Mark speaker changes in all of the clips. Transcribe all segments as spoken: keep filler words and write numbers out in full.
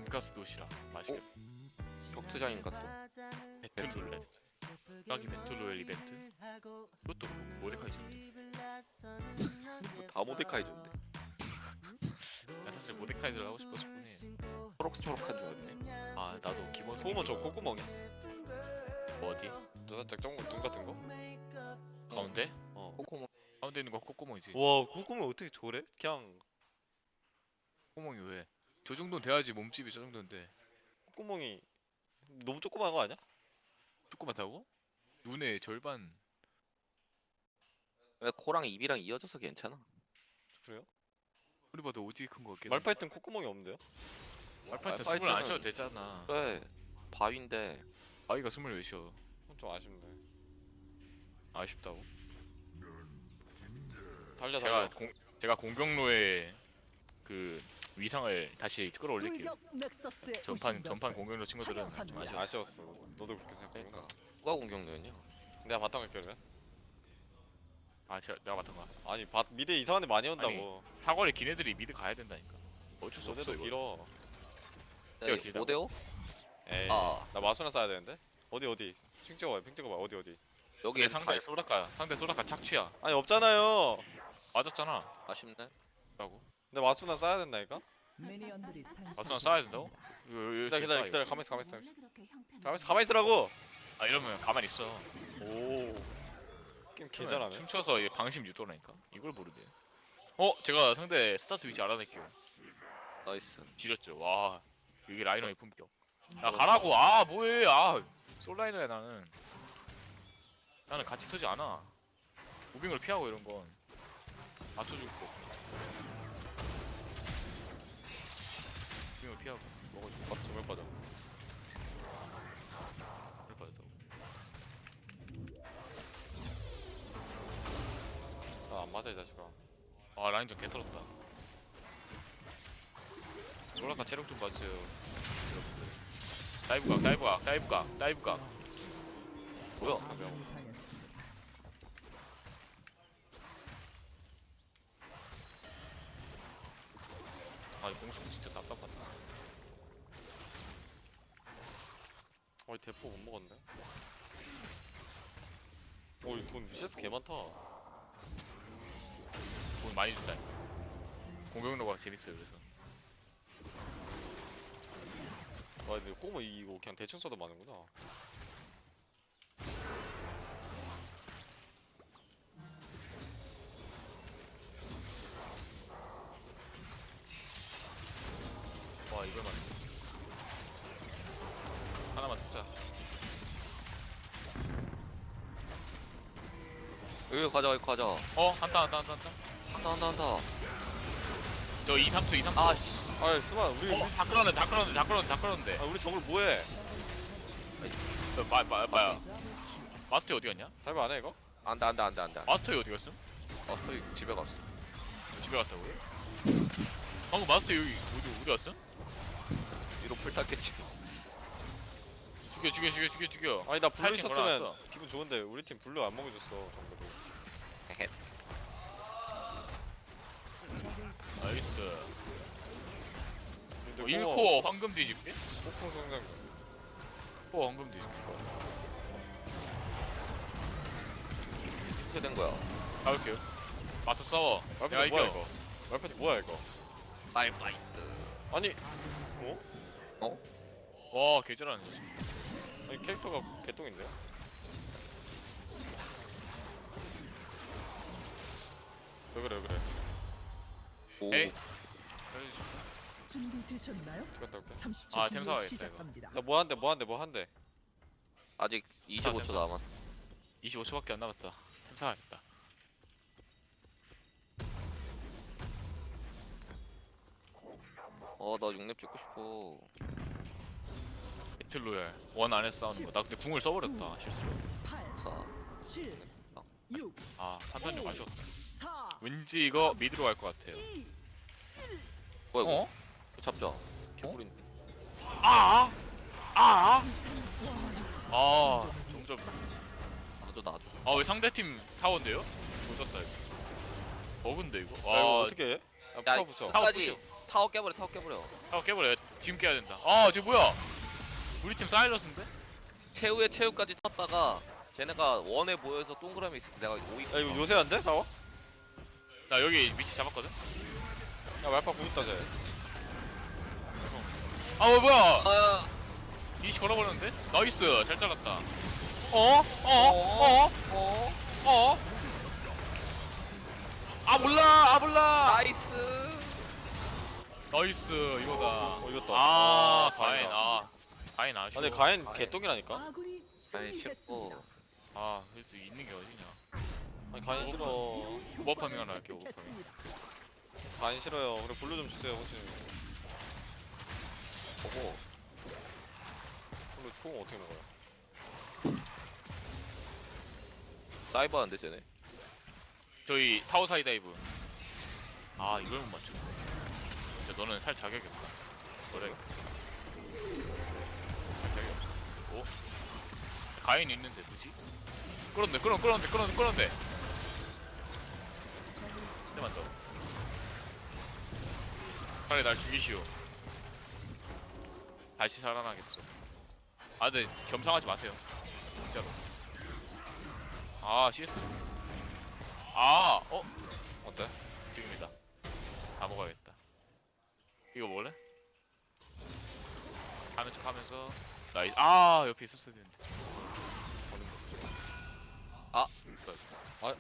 Speaker 1: 돈가스 도시락 맛있겠다.
Speaker 2: 격투장인가 또?
Speaker 1: 배틀롤렛 까기 배틀로얄 이벤트. 그것도 모데카이저인데.
Speaker 2: 다 모데카이저인데.
Speaker 1: 나 사실 모데카이저를 하고 싶었을 뿐이에요.
Speaker 2: 초록초록한 줄 알았네.
Speaker 1: 아 나도 기본
Speaker 3: 소음은 저 콧구멍이.
Speaker 1: 뭐 어디?
Speaker 3: 저 살짝 쫑눈 같은 거?
Speaker 1: 가운데?
Speaker 3: 어.
Speaker 2: 코코모.
Speaker 1: 가운데 있는 거 콧구멍이지.
Speaker 3: 와 콧구멍 어떻게 저래? 그냥
Speaker 1: 콧구멍이 왜? 저 정도는 돼야지. 몸집이 저 정도인데
Speaker 3: 콧구멍이 너무 조그마한 거 아니야?
Speaker 1: 조그맣다고? 눈의 절반.
Speaker 2: 왜 코랑 입이랑 이어져서 괜찮아?
Speaker 3: 그래요?
Speaker 1: 우리 봐도 오지게 큰 거 같긴.
Speaker 3: 말파이트는 콧구멍이 없는데요?
Speaker 1: 말파이트
Speaker 2: 말파이트는-
Speaker 1: 숨을 안 쉬어도 되잖아.
Speaker 2: 그래. 바위인데.
Speaker 1: 아이가 숨을 왜 쉬어?
Speaker 3: 좀 아쉽네.
Speaker 1: 아쉽다고?
Speaker 3: 달려
Speaker 1: 제가
Speaker 3: 달려.
Speaker 1: 공 제가 공격로의 그 위상을 다시 끌어올릴게요. 전판 전판 공격로 친구들은 좀 아쉬웠어.
Speaker 3: 아쉬웠어. 너도 그렇게 생각했구나.
Speaker 2: 그러니까. 누가 공격노였냐?
Speaker 3: 내가 바탕 할게 그러면?
Speaker 1: 아 제가 내가 맡은 거야.
Speaker 3: 아니 바, 미드 이상한 데 많이 온다고.
Speaker 1: 사거리 긴 애들이 미드 가야 된다니까. 어쩔 수 없어
Speaker 3: 너네도
Speaker 1: 이거.
Speaker 3: 길어.
Speaker 1: 내가 길다고?
Speaker 2: 오 대오?
Speaker 3: 에이
Speaker 2: 아.
Speaker 3: 나 마수나 써야 되는데? 어디 어디? 핑 찍어봐 핑 찍어봐 어디 어디?
Speaker 2: 여기
Speaker 1: 얘
Speaker 2: 애들 다
Speaker 1: 상대
Speaker 2: 있어.
Speaker 1: 소라카 상대 소라카 착취야.
Speaker 3: 아니 없잖아요.
Speaker 1: 맞았잖아.
Speaker 2: 아쉽네.
Speaker 1: 라고.
Speaker 3: 근데 마수나 써야 된다니까?
Speaker 1: 마수나 쏴야 된다고? 이거 이거
Speaker 3: 기다려 기다려
Speaker 1: 쏴,
Speaker 3: 기다려
Speaker 1: 이거.
Speaker 3: 가만있어 가만있어 가만있어 가만히 있으라고!
Speaker 1: 아 이러면 가만히 있어.
Speaker 3: 오 게임 개잘하네.
Speaker 1: 춤춰서 이게 방심 유도라니까. 이걸 모르네. 어 제가 상대 스타트 위치 알아낼게요.
Speaker 2: 나이스.
Speaker 1: 지렸죠. 와 이게 라이너의 품격. 야 가라고. 아 뭐해. 아 솔라이너야 나는. 나는 같이 서지 않아. 무빙을 피하고 이런 건 맞춰줄 거. 무빙을 피하고 먹어주고.
Speaker 3: 아 정말 빠져.
Speaker 1: 그럴 뻔했다고.
Speaker 3: 자안 맞아 이 자식아.
Speaker 1: 아 라인전 개털었다. 솔라카 체력 좀 봐주세요 여러분들. 다이브각 다이브각 다이브각 다이브각.
Speaker 2: 뭐야?
Speaker 1: 아이 공수 진짜 답답하다.
Speaker 3: 어이 대포 못 먹었네. 어이 돈 미세스 개 많다.
Speaker 1: 돈 많이 준다. 공격로가 재밌어요 그래서.
Speaker 3: 와 근데 꼬마 이거 그냥 대충 써도 많은구나.
Speaker 1: 와 이걸 맞네. 하나만 듣자.
Speaker 2: 여기 가자 여기 가자.
Speaker 1: 어? 한타 한타 한타 한타.
Speaker 2: 한다 한다 한다.
Speaker 1: 저 이, 삼 초 이, 삼 초.
Speaker 2: 아씨.
Speaker 3: 아이 스마 우리
Speaker 1: 어? 다 끌었네 다 끌었네 다 끌었네 다 끌었네.
Speaker 3: 아 우리 정글 뭐해?
Speaker 1: 어, 마, 마, 마야 마스터 어디 갔냐?
Speaker 3: 달바 안해 이거?
Speaker 2: 안돼 안돼 안돼 안돼.
Speaker 1: 마스터 어디 갔음?
Speaker 2: 마스터 집에 갔어.
Speaker 1: 집에 갔다고요? 방금 마스터 여기 어디 어디 갔음?
Speaker 2: 위로 풀 탔겠지.
Speaker 1: 죽여 죽여 죽여 죽여 죽여.
Speaker 3: 아니 나 블루
Speaker 1: 하이팅
Speaker 3: 있었으면
Speaker 1: 걸어놨어.
Speaker 3: 기분 좋은데 우리 팀 블루 안 먹여줬어 정글로.
Speaker 2: 헤헤.
Speaker 1: 나이스.
Speaker 3: 근데
Speaker 1: 어,
Speaker 3: 꼬마
Speaker 1: 일 코어 황금 뒤집기?
Speaker 3: 폭풍 성장.
Speaker 1: 코어 황금 뒤집기.
Speaker 2: 어떻게 된 거야?
Speaker 1: 가볼게요. 마스터 싸워. 내가
Speaker 3: 말파이트 뭐야
Speaker 1: 이겨.
Speaker 3: 이거? 말파이트 뭐야 이거?
Speaker 2: 말파이트.
Speaker 3: 아니 어?
Speaker 1: 와 개잘하네.
Speaker 3: 아니 캐릭터가 개똥인데요? 왜 그래 왜 그래?
Speaker 2: 오.
Speaker 1: 에이.
Speaker 4: 준비되셨나요?
Speaker 3: 죽였다 올게.
Speaker 4: 삼십 초
Speaker 1: 아,
Speaker 4: 뒤에
Speaker 1: 템 사와야겠다,
Speaker 4: 시작합니다.
Speaker 3: 나 뭐 한대 뭐 한대 뭐 한대.
Speaker 2: 아직 이십오 초 남았어.
Speaker 1: 이십오 초밖에 안 남았어. 템사하겠다.
Speaker 2: 어, 나 육렙 찍고 싶어.
Speaker 1: 배틀로얄 원 안에서 싸우는 거. 나 근데 궁을 써버렸다 실수로.
Speaker 4: 팔,
Speaker 2: 사.
Speaker 4: 칠, 육,
Speaker 1: 아 판단력 아쉬웠다.
Speaker 4: 사,
Speaker 1: 왠지 이거 미드로 갈 것 같아요.
Speaker 4: 이.
Speaker 2: 뭐야 이거?
Speaker 1: 어?
Speaker 2: 잡자. 개꿀인데.
Speaker 1: 아! 아! 아 점점.
Speaker 2: 나도 나도.
Speaker 1: 아 왜 상대팀 타워인데요? 조졌다 이거. 버그인데 이거.
Speaker 3: 야 이거
Speaker 1: 와
Speaker 3: 어떻게 해? 아
Speaker 2: 야,
Speaker 3: 붙어 붙여.
Speaker 1: 타워
Speaker 2: 끝까지 타워 깨버려 타워 깨버려.
Speaker 1: 타워 깨버려. 지금 깨야 된다. 아, 쟤 뭐야? 우리 팀 사일러스인데?
Speaker 2: 최후의 최후까지 쳤다가 쟤네가 원에 모여서 동그라미 있을 때 내가 오이.
Speaker 3: 야 이거 요새 안 돼? 나와?
Speaker 1: 나 여기 위치 잡았거든?
Speaker 3: 야 말파 공 있다 쟤.
Speaker 1: 아, 어, 뭐야?
Speaker 2: 아,
Speaker 1: 이시 걸어버렸는데? 나이스. 잘 잘랐다. 어? 어? 어?
Speaker 2: 어?
Speaker 1: 어? 아, 몰라. 아, 몰라.
Speaker 2: 나이스.
Speaker 1: 나이스. 이거다.
Speaker 3: 어 이겼다.
Speaker 1: 아, 가인.
Speaker 3: 다행이다.
Speaker 1: 아, 가인
Speaker 3: 아
Speaker 1: 아쉬워.
Speaker 3: 근데 가인
Speaker 2: 가인.
Speaker 3: 개똥이라니까?
Speaker 4: 아군이
Speaker 2: 아니
Speaker 4: 승리했습니다.
Speaker 2: 쉽고.
Speaker 1: 아, 그래도 있는 게 어디냐.
Speaker 3: 아니 가인 싫어.
Speaker 1: 오버파밍 하나 할게, 오버파밍.
Speaker 4: 선택했습니다.
Speaker 3: 가인 싫어요. 그래 블루 좀 주세요 혹시.
Speaker 2: 보고.
Speaker 3: 블루 총 어떻게 먹어요?
Speaker 2: 다이브 하는데 쟤네.
Speaker 1: 저희 타워 사이 다이브. 아, 이걸 못 맞추네. 진짜 너는 살 자격이 없다. 그래. 살 자격이 없어. 오? 가인이 있는데 뭐지? 끌었네, 끌었네, 끌었네, 끌었네, 끌었네. 한대만 더. 빨리 날 죽이시오. 다시 살아나겠어. 아, 근데 겸상하지 마세요. 진짜로. 아, 씨에스. 아, 어?
Speaker 3: 어때?
Speaker 1: 지금이다. 다 먹어야겠다. 이거 먹을래? 하는 척 하면서 나이 아 옆에 있었어야 되는데.
Speaker 2: 아.
Speaker 1: 아,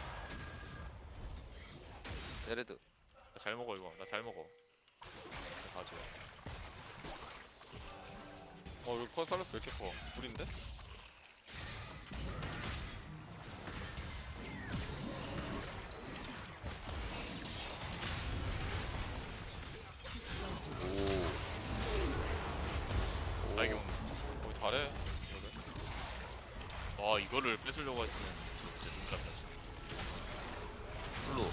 Speaker 2: 에레드.
Speaker 1: 나 잘 먹어 이거. 나 잘 먹어. 나 봐줘.
Speaker 3: 어 여기 컨살러스 왜 이렇게 커? 불인데?
Speaker 2: 오.
Speaker 1: 나 이게
Speaker 3: 어 잘해. 그래.
Speaker 1: 와 이거를 뺏으려고 했으면 진짜 눈 깜짝이야.
Speaker 2: 블루.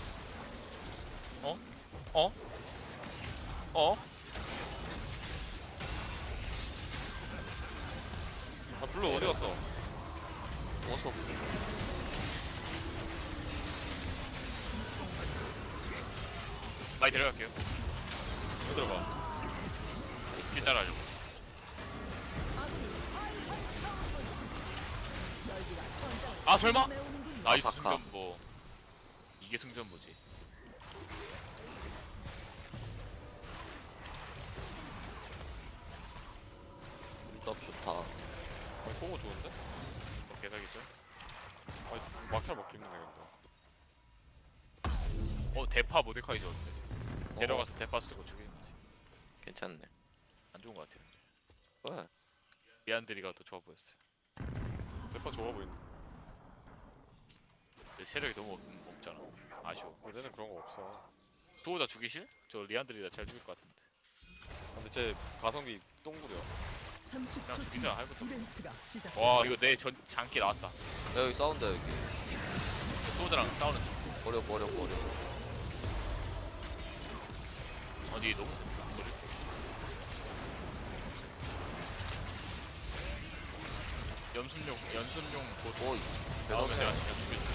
Speaker 1: 어? 어?
Speaker 3: 아 블루 어디 갔어?
Speaker 2: 어서.
Speaker 1: 많이 데려갈게요.
Speaker 3: 여기 들어봐.
Speaker 1: 길 따라하려고. 아 설마? 나이스
Speaker 2: 아사카.
Speaker 1: 승전보. 이게 승전보지.
Speaker 2: 너 좋다.
Speaker 3: 아 소고 좋은데?
Speaker 1: 어, 개사기죠?
Speaker 3: 아니 막차 먹기 힘드네 근데.
Speaker 1: 어 대파 모데카이저 어때? 데려가서 대파 쓰고 죽이는 거지.
Speaker 2: 괜찮네.
Speaker 1: 안 좋은 거 같아요.
Speaker 2: 왜?
Speaker 1: 미안드리가 더 좋아 보였어요.
Speaker 3: 대파 좋아 보인다.
Speaker 1: 근데 세력이 너무 없, 없잖아. 아쉬워.
Speaker 3: 원래는 그런 거 없어.
Speaker 1: 두호 다 죽이실? 저 리안드리가 잘 죽일 것 같은데.
Speaker 3: 근데 쟤 가성비 똥구려.
Speaker 4: 삼십
Speaker 1: 그냥
Speaker 4: 초
Speaker 1: 죽이자 할부터.
Speaker 4: 이벤트가 시작.
Speaker 1: 와 이거 내 전 장기 나왔다.
Speaker 2: 야, 여기 싸운다 여기.
Speaker 1: 수호드랑 싸우는 중.
Speaker 2: 버려 버려 버려.
Speaker 1: 어디 너무 센. 머리. 연순용 연순용 곧
Speaker 2: 오이.
Speaker 1: 나오면 내가 그냥 죽여줘.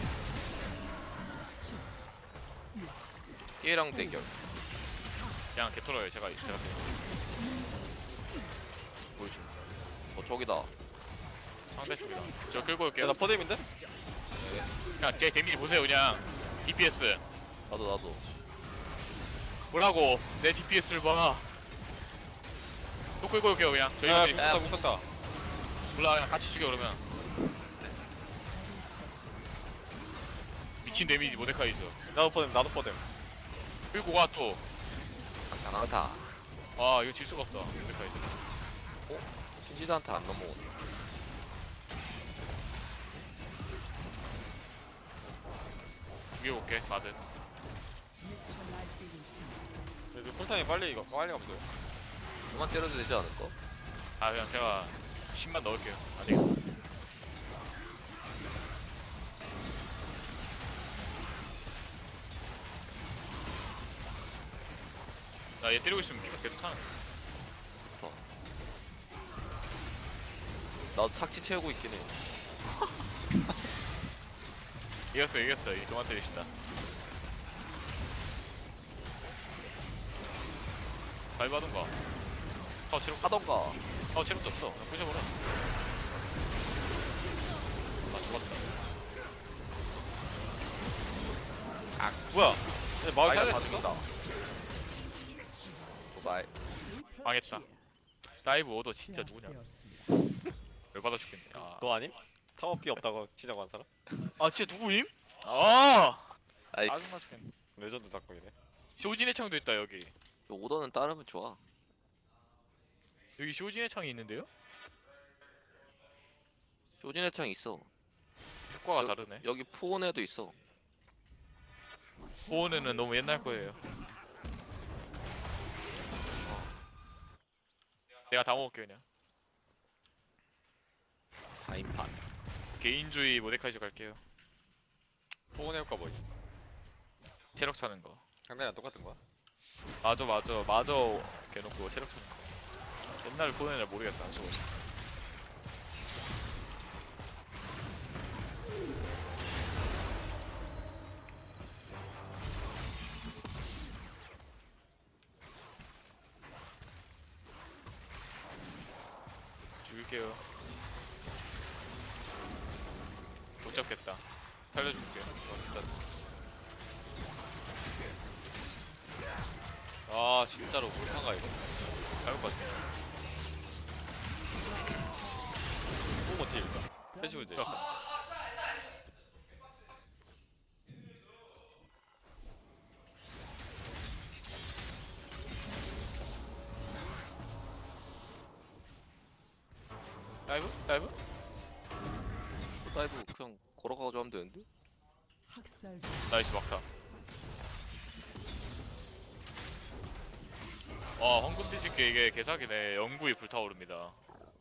Speaker 2: 얘랑 대결.
Speaker 1: 그냥 개털어요. 제가 제가 보여줌.
Speaker 2: 어 저기다.
Speaker 1: 상대 쪽이다. 저 끌고 올게요.
Speaker 3: 야나 퍼뎀인데?
Speaker 1: 그냥 제 데미지 보세요. 그냥 디피에스.
Speaker 2: 나도 나도.
Speaker 1: 뭐라고? 내 디피에스를 봐. 또 끌고 올게요. 그냥
Speaker 3: 야
Speaker 1: 저희들이
Speaker 3: mus었다 mus었다.
Speaker 1: 몰라 그냥 같이 죽여 그러면. 미친 데미지 모데카이저.
Speaker 3: 나도 퍼뎀 나도 퍼뎀.
Speaker 1: 끌고 가 또.
Speaker 2: 강강타.
Speaker 1: 아 이거 질 수가 없다. 모데카이저.
Speaker 2: 신지드한테 안 넘어오네.
Speaker 1: 죽여볼게. 마든.
Speaker 3: 그래도 쿨타임이 빨리 이거 빨리 감소해.
Speaker 2: 그만 때려도 되지 않을까?
Speaker 1: 아 그냥 제가 십만 넣을게요. 안 되겠어. 나 얘 때리고 있으면 피가 계속 차는.
Speaker 2: 나도 착지 채우고 있긴 해.
Speaker 1: 이겼어 이겼어. 이 그만 때리신다. 잘 받은가? 어 체력
Speaker 2: 하던가.
Speaker 1: 어 체력도 없어. 그냥 부셔버려. 나 죽었다.
Speaker 3: 아 뭐야? 얘 마을
Speaker 2: 아이가 다
Speaker 3: 살렸어?
Speaker 2: 죽인다. 바이.
Speaker 1: 망했다. 다이브 오더 진짜 누구냐?
Speaker 4: 제압되었습니다.
Speaker 1: 열받아 죽겠네. 아,
Speaker 3: 너 아님? 타워피 없다고 치자고 한 사람?
Speaker 1: 아 진짜 누구임? 아 짜증나
Speaker 2: 나이스.
Speaker 1: 죽겠네.
Speaker 3: 레전드 사건이네.
Speaker 1: 쇼진의 창도 있다 여기.
Speaker 2: 오더는 따르면 좋아.
Speaker 1: 여기 쇼진의 창이 있는데요?
Speaker 2: 조진의 창 있어.
Speaker 1: 효과가
Speaker 2: 여-
Speaker 1: 다르네.
Speaker 2: 여기 포온에도 있어.
Speaker 1: 보온에는 너무 옛날 거예요. 내가 다 먹을게 그냥.
Speaker 2: 다인판.
Speaker 1: 개인주의 모데카이저 갈게요.
Speaker 3: 포근해 효과 뭐지?
Speaker 1: 체력 차는 거.
Speaker 3: 상대랑 똑같은 거야?
Speaker 1: 맞아 맞아 맞아. 개놓고 체력 차는 거. 옛날 보온에는 모르겠다. 저거. 죽일게요. 못 잡겠다. 살려줄게요. 어, 진짜.
Speaker 3: 아 진짜로 몰카가 이거?
Speaker 1: 잘못 봤네.
Speaker 3: 뽕 어떻게 일까? 패시브제.
Speaker 1: 다이브? 다이브?
Speaker 2: 다이브 그냥 걸어가가지고 하면 되는데?
Speaker 4: 학살
Speaker 1: 나이스 막타. 와 황금 뒤집게 이게 개사기네. 영구히 불타오릅니다.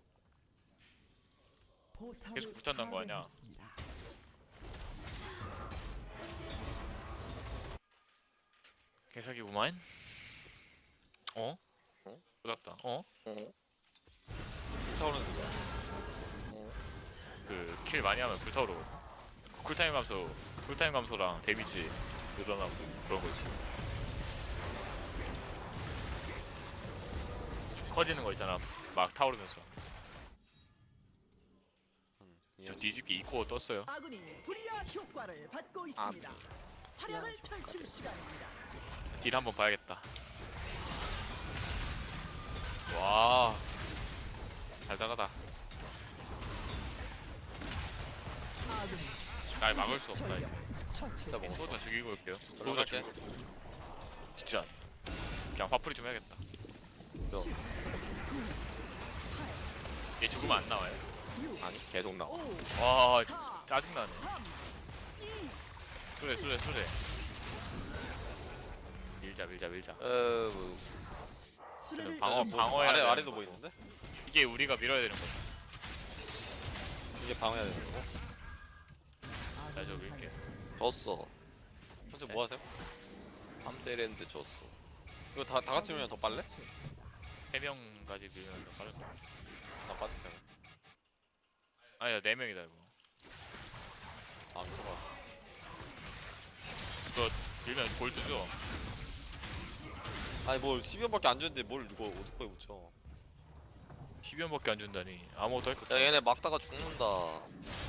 Speaker 4: 포탑을
Speaker 1: 계속 불탄다는 거 아니야?
Speaker 4: 파괴했습니다.
Speaker 1: 개사기구만. 어?
Speaker 2: 어?
Speaker 1: 쏟았다. 어?
Speaker 2: 어?
Speaker 3: 타오르는 거야.
Speaker 2: 어?
Speaker 1: 그 킬 많이 하면 불타오르. 쿨타임 감소, 쿨타임 감소랑 데미지 늘어나고 그런 거지. 커지는 거 있잖아. 막 타오르면서.
Speaker 3: 음,
Speaker 1: 저
Speaker 3: 이해했어.
Speaker 1: 뒤집기 이 코어 떴어요.
Speaker 4: 아군이 불이야 효과를 받고 있습니다. 활약을 펼칠 시간입니다.
Speaker 1: 딜 한번 봐야겠다. 와, 달달하다.
Speaker 4: 아군이
Speaker 1: 날 막을 수 없다
Speaker 4: 전력
Speaker 1: 이제.
Speaker 4: 처치했습니다.
Speaker 1: 소자 죽이고 올게요. 소자
Speaker 3: 들어갈게.
Speaker 1: 죽이고. 진짜. 그냥 화풀이 좀 해야겠다. 얘 죽으면 안 나와요.
Speaker 2: 아니 계속 나와.
Speaker 4: 오,
Speaker 1: 와,
Speaker 4: 사,
Speaker 1: 짜증나네.
Speaker 4: 삼, 이,
Speaker 1: 수레, 수레, 수레. 밀자, 밀자, 밀자.
Speaker 2: 에 뭐,
Speaker 4: 수레를
Speaker 1: 방어,
Speaker 4: 이동-
Speaker 1: 방어해야
Speaker 3: 아래
Speaker 1: 되는
Speaker 3: 아래도
Speaker 1: 거고.
Speaker 3: 뭐 있는데?
Speaker 1: 이게 우리가 밀어야 되는 거야.
Speaker 3: 이게 방어해야 되는 거고.
Speaker 1: 나 저거 밀게.
Speaker 2: 졌어.
Speaker 3: 현재 뭐 하세요?
Speaker 2: 함대랜드 졌어.
Speaker 3: 이거 다, 다 같이 밀면 더 빨래?
Speaker 1: 세 명까지 밀면 더 빠를 거야.
Speaker 3: 나 빠질게.
Speaker 1: 아니야, 네 명이다 이거.
Speaker 3: 아 미쳐봐.
Speaker 1: 이거 밀면 골드죠?
Speaker 3: 아니 뭘 십여 원밖에 안 주는데 뭘 이거 어디까지 붙여?
Speaker 1: 십 원밖에 안 준다니. 아무것도 할 거
Speaker 2: 야
Speaker 1: 없다.
Speaker 2: 얘네 막다가 죽는다.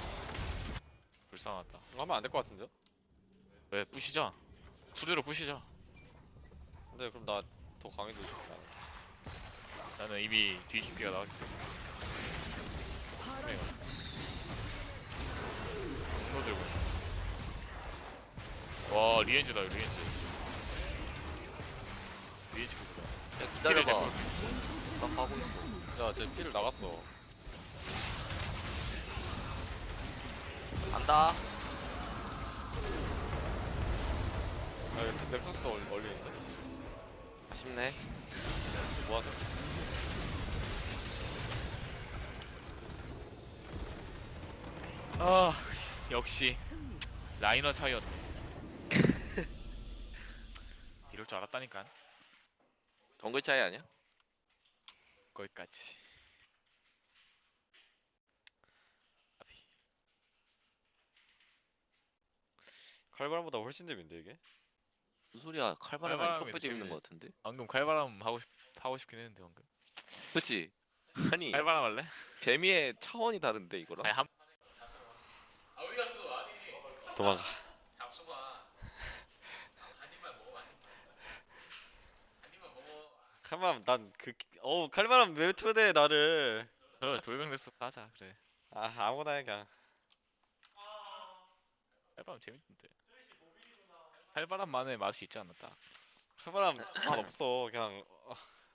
Speaker 1: 불쌍하다.
Speaker 3: 이거 하면 안 될 것 같은데요?
Speaker 1: 왜 부시자. 수레로 부시자.
Speaker 3: 근데 그럼 나 더 강해지고 싶다.
Speaker 1: 나는 이미 뒤집기가 나왔기 때문에.
Speaker 4: 파란
Speaker 1: 이거 들고. 와 리엔즈다 리엔즈. 리엔즈 그거다.
Speaker 2: 야 기다려봐. 나 가고 있어.
Speaker 3: 야, 쟤 피를 나갔어.
Speaker 2: 간다.
Speaker 3: 아, 이거 넥서스 얼- 얼리는데?
Speaker 2: 아쉽네.
Speaker 3: 뭐 하세요?
Speaker 1: 아 역시
Speaker 4: 승리.
Speaker 1: 라이너 차이였네. 이럴 줄 알았다니까.
Speaker 2: 덩글 차이 아니야?
Speaker 1: 거기까지.
Speaker 3: 칼바람보다 훨씬 재밌는데 이게?
Speaker 2: 무슨 소리야? 칼바람이
Speaker 1: 칼바람이
Speaker 2: 턱뼈 재밌는
Speaker 1: 재밌네.
Speaker 2: 거 같은데?
Speaker 1: 방금 칼바람 하고 싶 하고 싶긴 했는데 방금.
Speaker 2: 그치? 아니
Speaker 1: 칼바람 할래?
Speaker 2: 재미의 차원이 다른데 이거랑.
Speaker 1: 아니 한. 아 어디 갔어? 아니.
Speaker 3: 도망가.
Speaker 1: 잡숴봐. 한 입만 먹어 한 입만. 한 입만 먹어.
Speaker 3: 칼바람 난그 어우 칼바람 왜 초대해 나를.
Speaker 1: 그래 돌병 냈어 하자 그래.
Speaker 3: 아 아무거나 해 그냥.
Speaker 1: 칼바람 재밌는데. 칼바람만의 맛이 있지 않나 딱.
Speaker 3: 칼바람 맛 없어 그냥. 어,